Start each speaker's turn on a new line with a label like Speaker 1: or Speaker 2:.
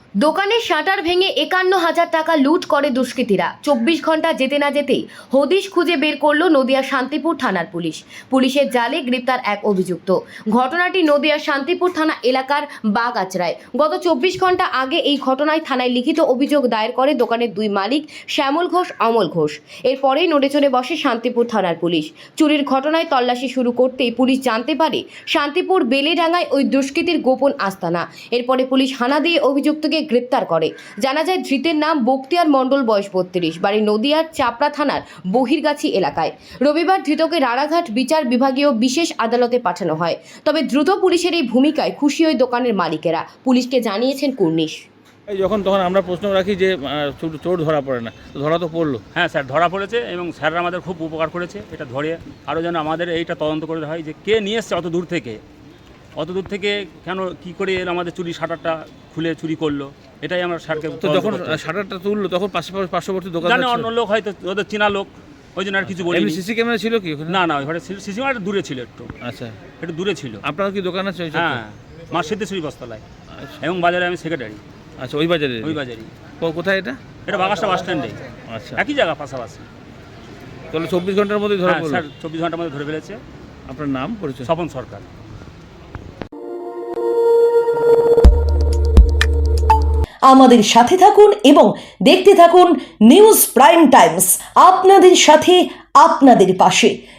Speaker 1: দোকানের শাটার ভেঙে ৫১,০০০ টাকা লুট করে দুষ্কৃতীরা। ২৪ ঘন্টা যেতে না যেতেই হদিশ খুঁজে বের করল নদিয়া শান্তিপুর থানার পুলিশ। পুলিশের জালে গ্রেপ্তার এক অভিযুক্ত। ঘটনাটি নদিয়া শান্তিপুর থানা এলাকার বাগাচড়ায়। গত ২৪ ঘন্টা আগে এই ঘটনায় থানায় লিখিত অভিযোগ দায়ের করে দোকানের দুই মালিক শ্যামল ঘোষ, অমল ঘোষ। এরপরেই নড়ে চড়ে বসে শান্তিপুর থানার পুলিশ। চুরির ঘটনায় তল্লাশি শুরু করতেই পুলিশ জানতে পারে শান্তিপুর বেলেডাঙ্গায় ওই দুষ্কৃতীর গোপন আস্তানা। এরপরে পুলিশ হানা দিয়ে অভিযুক্তকে গ্রেপ্তার করে। জানা যায় ধৃতের নাম বক্তিয়ার মণ্ডল, বয়স ৩২, বাড়ি নদিয়ার চাপড়া থানার বহিরগাছি এলাকায়। রবিবার ধৃতকে রানাঘাট বিচার বিভাগীয় বিশেষ আদালতে পাঠানো হয়। তবে দ্রুত পুলিশের এই ভূমিকায় খুশি ওই দোকানের মালিকেরা। পুলিশকে জানিয়েছেন কুর্নিশ।
Speaker 2: তখন আমরা প্রশ্ন রাখি যে চোর ধরা পড়ে না, ধরা তো পড়লো।
Speaker 3: হ্যাঁ স্যার, ধরা পড়েছে এবং স্যাররা আমাদের খুব উপকার করেছে। এটা ধরে আরও যেন আমাদের এইটা তদন্ত করে হয় যে কে নিয়ে এসছে অত দূর থেকে কেন কি করে এর আমাদের চুরি শাটারটা খুলে চুরি করলো, এটাই আমরা স্যারকে।
Speaker 2: তো যখন শাটারটা তুললো তখন পার্শ্ববর্তী দোকান
Speaker 3: জানে অন্য লোক, হয়তো ওদের চেনা লোক, ওই জন্য আর কিছু বলি।
Speaker 2: সিসি ক্যামেরা ছিল কি ওখানে?
Speaker 3: না, ওইখানে সিসি ক্যামেরা দূরে ছিল, একটু একটু দূরে ছিল।
Speaker 2: আপনার কি দোকান আছে?
Speaker 3: হ্যাঁ, মা সিদ্ধেশ্বরী বস্ত্রালয় এবং বাজারে আমি সেক্রেটারি।
Speaker 2: আচ্ছা, ওই বাজারেই। কোথায় এটা?
Speaker 3: এটা বাগাসটা বাস স্ট্যান্ডে।
Speaker 2: আচ্ছা,
Speaker 3: একই জায়গা পাশাপাশি।
Speaker 2: তাহলে ২৪ ঘন্টার মধ্যে ধরা পড়লো?
Speaker 3: স্যার ২৪ ঘন্টার মধ্যে ধরে ফেলেছে।
Speaker 2: আপনার নাম, পরিচয়?
Speaker 3: স্বপন সরকার।
Speaker 4: আমাদের সাথে থাকুন এবং দেখতে থাকুন নিউজ প্রাইম টাইমস, আপনাদের সাথে, আপনাদের পাশে।